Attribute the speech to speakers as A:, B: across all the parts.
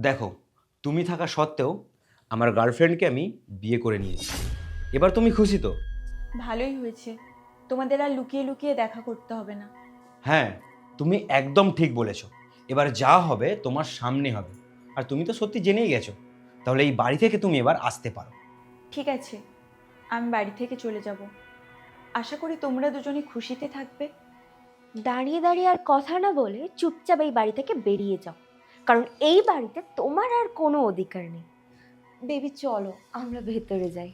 A: দেখো, তুমি থাকা সত্ত্বেও আমার গার্লফ্রেন্ডকে আমি বিয়ে করে নিয়েছি। এবার তুমি খুশি তো?
B: ভালোই হয়েছে, তোমাদের আর লুকিয়ে লুকিয়ে দেখা করতে হবে না।
A: হ্যাঁ, তুমি একদম ঠিক বলেছো। এবার যা হবে তোমার সামনে হবে। আর তুমি তো সত্যি জেনেই গেছো। তাহলে এই বাড়ি থেকে তুমি এবার আসতে পারো।
B: ঠিক আছে, আমি বাড়ি থেকে চলে যাব। আশা করি তোমরা দুজনে খুশিতে থাকবে।
C: দাঁড়িয়ে দাঁড়িয়ে আর কথা না বলে চুপচাপ এই বাড়ি থেকে বেরিয়ে যাও, কারণ এই বাড়িতে তোমার আর কোনো অধিকার নেই। বেবি চলো আমরা ভেতরে যাই।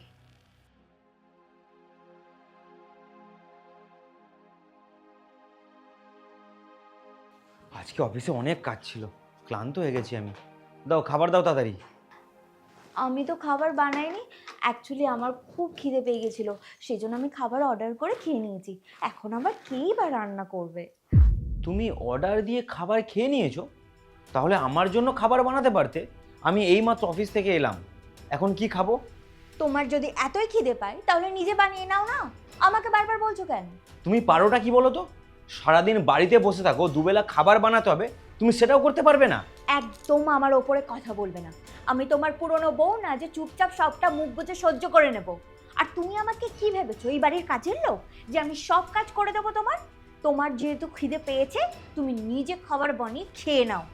A: আজকে অফিসে অনেক কাজ ছিল, ক্লান্ত হয়ে গেছি আমি। দাও, খাবার দাও তাড়াতাড়ি।
C: আমি তো খাবার বানাইনি, অ্যাকচুয়ালি আমার খুব খিদে পেয়ে গেছিলো, সেই জন্য আমি খাবার অর্ডার করে খেয়ে নিয়েছি। এখন আবার কেই বা রান্না করবে?
A: তুমি অর্ডার দিয়ে খাবার খেয়ে নিয়েছো? তাহলে আমার জন্য খাবার বানাতে পারতে। আমি এইমাত্র অফিস থেকে এলাম, এখন কি খাবো?
C: তোমার যদি এতই খিদে পায় তাহলে নিজে বানিয়ে নাও না, আমাকে বারবার বলছো কেন?
A: তুমি পারোটা কি বলো তো? সারাদিন বাড়িতে বসে থাকো, দুবেলা খাবার বানাতে হবে, তুমি সেটাও করতে পারবে না?
C: একদম আমার ওপরে কথা বলবে না। আমি তোমার পুরনো বউ না যে চুপচাপ সবটা মুখ বুজে সহ্য করে নেব। আর তুমি আমাকে কি ভেবেছো, এই বাড়ির কাজের লোক যে আমি সব কাজ করে দেবো তোমার? তোমার যেহেতু খিদে পেয়েছে তুমি নিজে খাবার বানিয়ে খেয়ে নাও।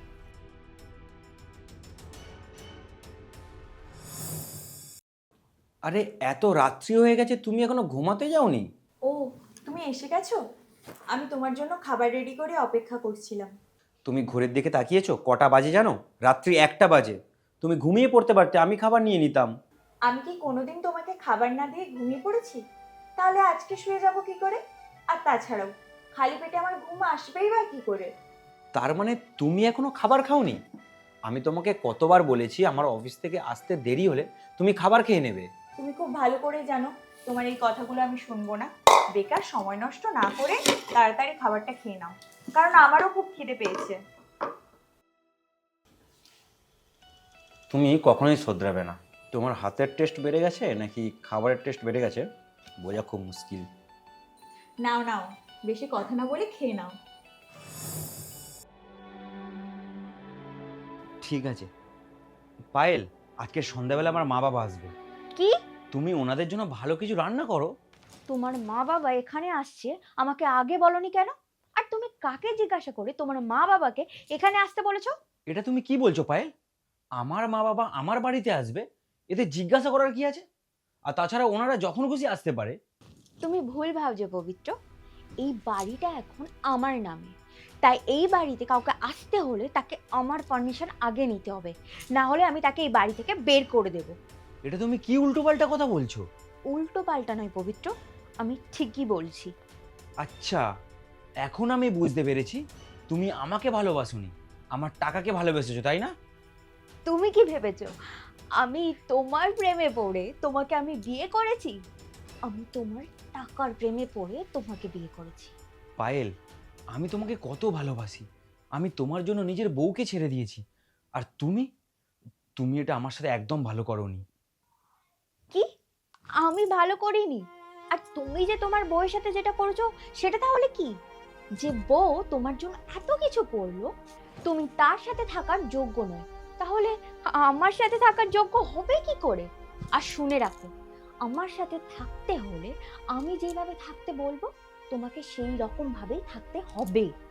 A: আরে এত রাত্রি হয়ে গেছে, তুমি এখনো ঘুমাতে যাওনি?
B: ও, তুমি এসে গেছো? আমি তোমার জন্য খাবার রেডি করে অপেক্ষা করছিলাম।
A: তুমি ঘড়ির দিকে তাকিয়েছো? কটা বাজে জানো? রাত্রি 1টা বাজে। তুমি ঘুমিয়ে পড়তে পারতে, আমি খাবার নিয়ে নিতাম।
B: আমি কি কোনোদিন তোমাকে খাবার না দিয়ে ঘুমিয়ে পড়েছি? তাহলে আজকে শুয়ে যাব কি করে? আর তাছাড়াও খালি পেটে আমার ঘুম আসবেই বা কি করে?
A: তার মানে তুমি এখনো খাবার খাওনি? আমি তোমাকে কতবার বলেছি আমার অফিস থেকে আসতে দেরি হলে তুমি খাবার খেয়ে নেবে।
B: তুমি খুব ভালো করে জানো তোমার এই কথাগুলো আমি শুনবো না। বেকার সময় নষ্ট না করে তাড়াতাড়ি খাবারটা খেয়ে নাও, কারণ আমারও খুব খিদে পেয়েছে।
A: তুমি কখনোই শোধরাবে না। তোমার হাতের টেস্ট বেড়ে গেছে নাকি খাবারের টেস্ট বেড়ে গেছে বোঝা খুব মুশকিল।
B: নাও নাও, বেশি কথা না বলে খেয়ে নাও।
A: ঠিক আছে পায়েল, আজকে সন্ধ্যাবেলা আমার মা বাবা আসবে।
C: কি?
A: তুমি ওনাদের জন্য ভালো কিছু রান্না করো।
C: তোমার মা বাবা এখানে আসছে, আমাকে আগে বলনি কেন? আর তুমি কাকে জিজ্ঞাসা করে তোমার মা বাবাকে এখানে আসতে বলেছো?
A: এটা তুমি কি বলছো পায়েল? আমার মা বাবা আমার বাড়িতে আসবে, এতে জিজ্ঞাসা করার কি আছে? আর তাছাড়া ওনারা যখন খুশি আসতে পারে।
C: তুমি ভুল ভাবছো পবিত্র, এই বাড়িটা এখন আমার নামে, তাই এই বাড়িতে কাউকে আসতে হলে তাকে আমার পারমিশন আগে নিতে হবে, না হলে আমি তাকে এই বাড়ি থেকে বের করে দেব।
A: এটা তুমি কি উল্টোপাল্টা কথা বলছো?
C: উল্টো পাল্টা নয় পবিত্র, আমি ঠিকই বলছি।
A: আচ্ছা, এখন আমি বুঝতে পেরেছি তুমি আমাকে ভালোবাসোনি, আমার টাকাকে ভালোবেসেছো, তাই না?
C: তুমি কি ভেবেছো আমি তোমার প্রেমে পড়ে তোমাকে আমি বিয়ে করেছি? আমি তোমার টাকার প্রেমে পড়ে তোমাকে বিয়ে করেছি।
A: পায়েল, আমি তোমাকে কত ভালোবাসি, আমি তোমার জন্য নিজের বউকে ছেড়ে দিয়েছি। আর তুমি তুমি এটা আমার সাথে একদম ভালো করোনি।
C: কি? আমি ভালো করিনি? আর তুমি যে তোমার বউয়ের সাথে যেটা করেছো সেটা তাহলে কি? যে বউ তোমার জন্য এত কিছু করলো, তুমি তার সাথে থাকার যোগ্য নয়, তাহলে আমার সাথে থাকার যোগ্য হবে কি করে? আর শুনে রাখো, আমার সাথে থাকতে হলে আমি যেভাবে থাকতে বলবো তোমাকে সেই রকম ভাবেই থাকতে হবে।